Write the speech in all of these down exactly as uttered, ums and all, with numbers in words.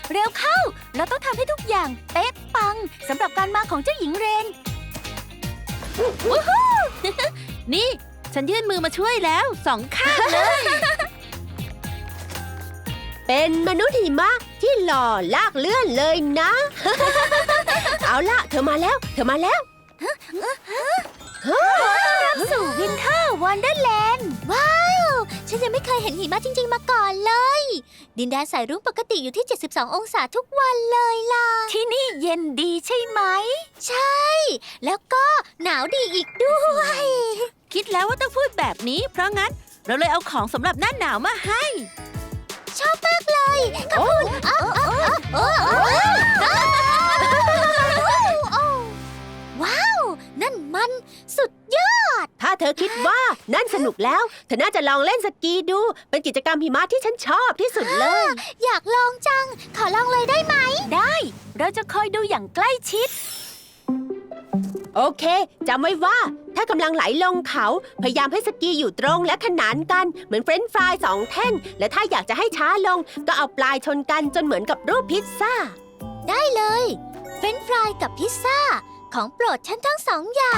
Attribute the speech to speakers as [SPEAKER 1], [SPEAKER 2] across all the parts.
[SPEAKER 1] เร็วเข้าเราต้องทำให้ทุกอย่างเป๊ะปังสำหรับการมาของเจ้าหญิงเรนวู้ฮู้
[SPEAKER 2] นี่ฉันยื่นมือมาช่วยแล้วสองข้างเลย
[SPEAKER 3] เป็นมนุษย์หิมะที่หล่อลากเลื่อนเลยนะ เอาล่ะเธอมาแล้ว เธอมาแล้ว
[SPEAKER 1] สู่วินเทอร์วันเดอร์แลนด์ว้าวฉันยังไม่เคยเห็นหิมะจริงๆมาก่อนเลยดินแดนสายรุ้งปกติอยู่ที่เจ็ดสิบสององศาทุกวันเลยล่ะที่นี่เย็นดีใช่ไหมใช่ แล้วก็หนาวดีอีกด้วย
[SPEAKER 2] คิดแล้วว่าต้องพูดแบบนี้ เพราะงั้นเราเลยเอาของสำหรับหน้าหนาวมาให้
[SPEAKER 1] ชอบมากเลยขอบคุณว้าว นั่นมันสุดยอด
[SPEAKER 3] ถ้าเธอคิดว่านั่นสนุกแล้ว เธอน่าจะลองเล่นสกีดู เป็นกิจกรรมหิมะที่ฉันชอบที่สุดเลย
[SPEAKER 1] อยากลองจัง ขอลองเลยได้ไหม ได้ เราจะคอยดูอย่างใกล้ชิด
[SPEAKER 3] โอเคจำไว้ว่าถ้ากำลังไหลลงเขา พยายามให้สกีอยู่ตรงและขนานกันเหมือนเฟรนช์ฟรายสองแท่ง และถ้าอยากจะให้ช้าลง ก็เอาปลายชนกันจนเหมือนกับรูปพิซซ่า
[SPEAKER 1] ได้เลย เฟรนช์ฟรายกับพิซซ่า ของโปรดฉันทั้งสองอย่าง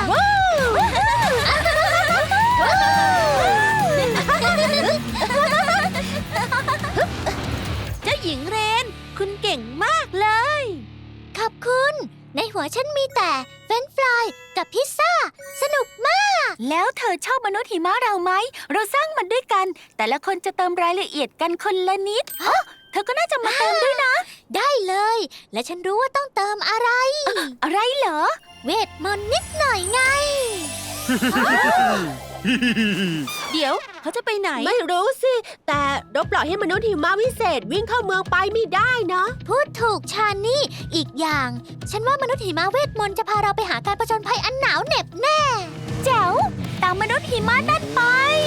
[SPEAKER 2] เจ้าหญิงเรน คุณเก่งมากเลย
[SPEAKER 1] ขอบคุณ ในหัวฉันมีแต่เฟรนช์ฟรายกับพิซซ่า สนุกมาก แล้วเธอชอบมนุษย์หิมะเราไหม เราสร้างมันด้วยกัน แต่ละคนจะเติมรายละเอียดกันคนละนิดอ๋อเธอก็น่าจะมาเติมด้วยนะ ได้เลย และฉันรู้ว่าต้องเติมอะไร อะไรเหรอ เวทมนต์นิดหน่อยไง
[SPEAKER 2] เดี๋ยวเขาจะไปไหน
[SPEAKER 3] ไม่รู้สิ แต่เราปล่อยให้มนุษย์หิมะวิเศษวิ่งเข้าเมืองไปไม่ได้นะ
[SPEAKER 1] พูดถูกชานี่ อีกอย่าง ฉันว่ามนุษย์หิมะเวทมนต์จะพาเราไปหาการผจญภัยอันหนาวเหน็บแน่ แจ๋ว ตามมนุษย์หิมะนั่นไป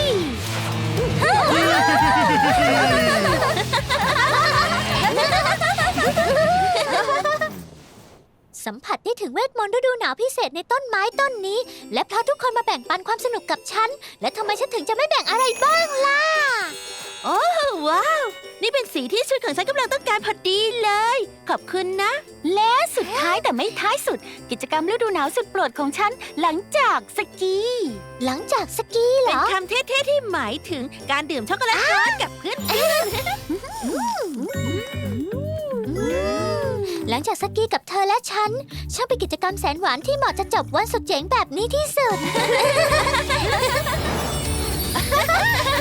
[SPEAKER 1] สัมผัสได้ถึงเวทมนต์ฤดูหนาวพิเศษในต้นไม้ต้นนี้ และเพราะทุกคนมาแบ่งปันความสนุกกับฉัน และทำไมฉันถึงจะไม่แบ่งอะไรบ้างล่ะ
[SPEAKER 2] โอ้ว้าว นี่เป็นสีที่ชุดของฉันกำลังต้องการพอดีเลย ขอบคุณนะ
[SPEAKER 1] และสุดท้ายแต่ไม่ท้ายสุด กิจกรรมฤดูหนาวสุดโปรดของฉันหลังจากสกี หลังจากสกีเหร
[SPEAKER 2] เป็น
[SPEAKER 1] อ
[SPEAKER 2] คำเท่ๆที่หมายถึงการดื่มช็อกโกแลตร้อนกับเพื่อน
[SPEAKER 1] หลังจากสกีกับเธอและฉันช่างเป็นกิจกรรมแสนหวานที่เหมาะจะจบวันสุดเจ๋งแบบนี้ที่สุด